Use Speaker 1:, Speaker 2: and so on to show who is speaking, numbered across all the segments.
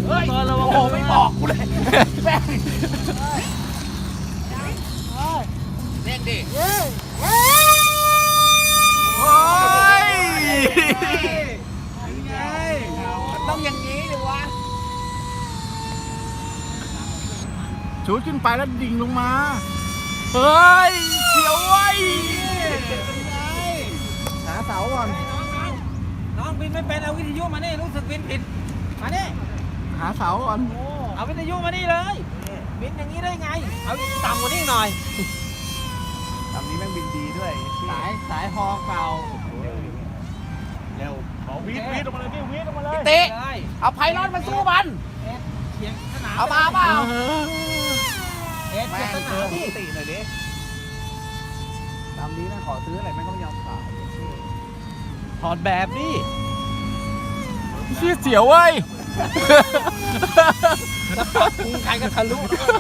Speaker 1: เฮ้ย
Speaker 2: ระวัง
Speaker 1: โอ้ไม่บอกกูเลยแม่งเร่งดิโอ้ยมันต้องอย่างนี้ดิวะ
Speaker 2: ชูดขึ้นไปแล้วดิ่งลงมาเฮ้ยเสียวไว้หาเสาก่อน
Speaker 3: น้องบินไม่เป็นเอาวิทยุมานี่รู้สึกบินผิดมานี่
Speaker 2: หาเสาก่อน
Speaker 3: เอาวิทยุมานี่เลยบินอย่างนี้ได้ไงเอาต่ำกว่านี้หน่อย
Speaker 1: ลำนี้แม่งบินดีด้วย
Speaker 3: สายฮอเก่า
Speaker 1: เร็ว
Speaker 2: วีดออกมาเลยพี่วีดออกมาเลย
Speaker 1: เตะ
Speaker 3: ได้
Speaker 1: เอาไพลอนมาสู้มัน
Speaker 3: เขียงสนาม
Speaker 1: เอามาเปล่า
Speaker 3: เอ็ด
Speaker 1: แม่
Speaker 3: เขียง
Speaker 1: ง
Speaker 3: ส
Speaker 1: เจ
Speaker 3: นา
Speaker 1: อ
Speaker 3: ม
Speaker 1: ป
Speaker 3: พี่
Speaker 1: กติหน่อยดิลำนี้นะขอซื้ออะไรแม่งก็ไม่ยอมขาย
Speaker 3: ถอดแบบนี่
Speaker 2: เชี่ยเสียวเว้ย
Speaker 3: พุงใครก็ทะลุ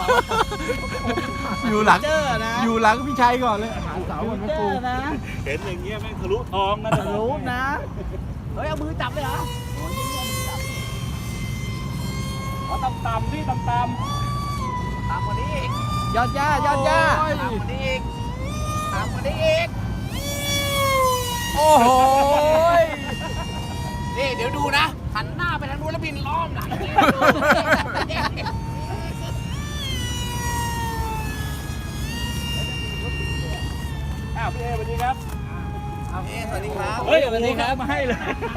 Speaker 2: อยู่หลัง
Speaker 3: เจอนะ
Speaker 2: อยู่หลังพี่ชัยก่อนเลยหาเสาก่อนแม่
Speaker 3: เจ
Speaker 2: ปู
Speaker 3: อนะ
Speaker 4: เห็นอย่างเงี้ยแม่งทะลุท้องนะ
Speaker 3: ทะลุนะเฮ้ยเอามือจับไปเหรอ
Speaker 4: เอาต่ำๆนี่ต่ำ
Speaker 1: ตามกว่านี้อีก
Speaker 3: ยอดย่ายอดย่า
Speaker 1: ตามกว่านี้อีกตามกว่านี้อีก
Speaker 2: โอ้โห
Speaker 1: นี่เดี๋ยวดูนะหันหน้าไปทางนู้นแล้วบินล้อมหลังนี่
Speaker 4: ๆอ้าวพี่เอสวัสดีครับ
Speaker 1: สวัสดีครับ
Speaker 4: เฮ้ยสวัสดีครับมาให้เลย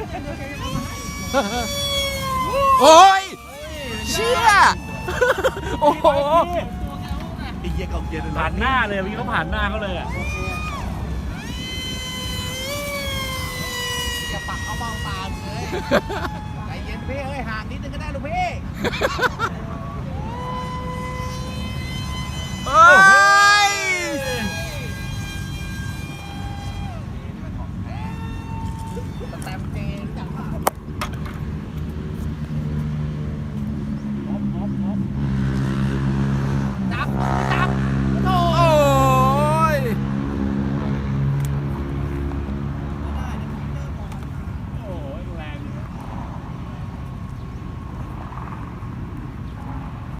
Speaker 2: โอ้ยเชี่ยโอ้โห
Speaker 1: ไอ้เหี้ยกองเย็นเลย
Speaker 4: ผ่านหน้าเลยเมื่อกี้เขาผ่านหน้าเขาเลยอ่ะ
Speaker 1: อย่าปักเอามองตามเลยใจเย็นพี่เอ้ยห่างนิดนึงก็ได้ลูกพี่
Speaker 2: โอ้โห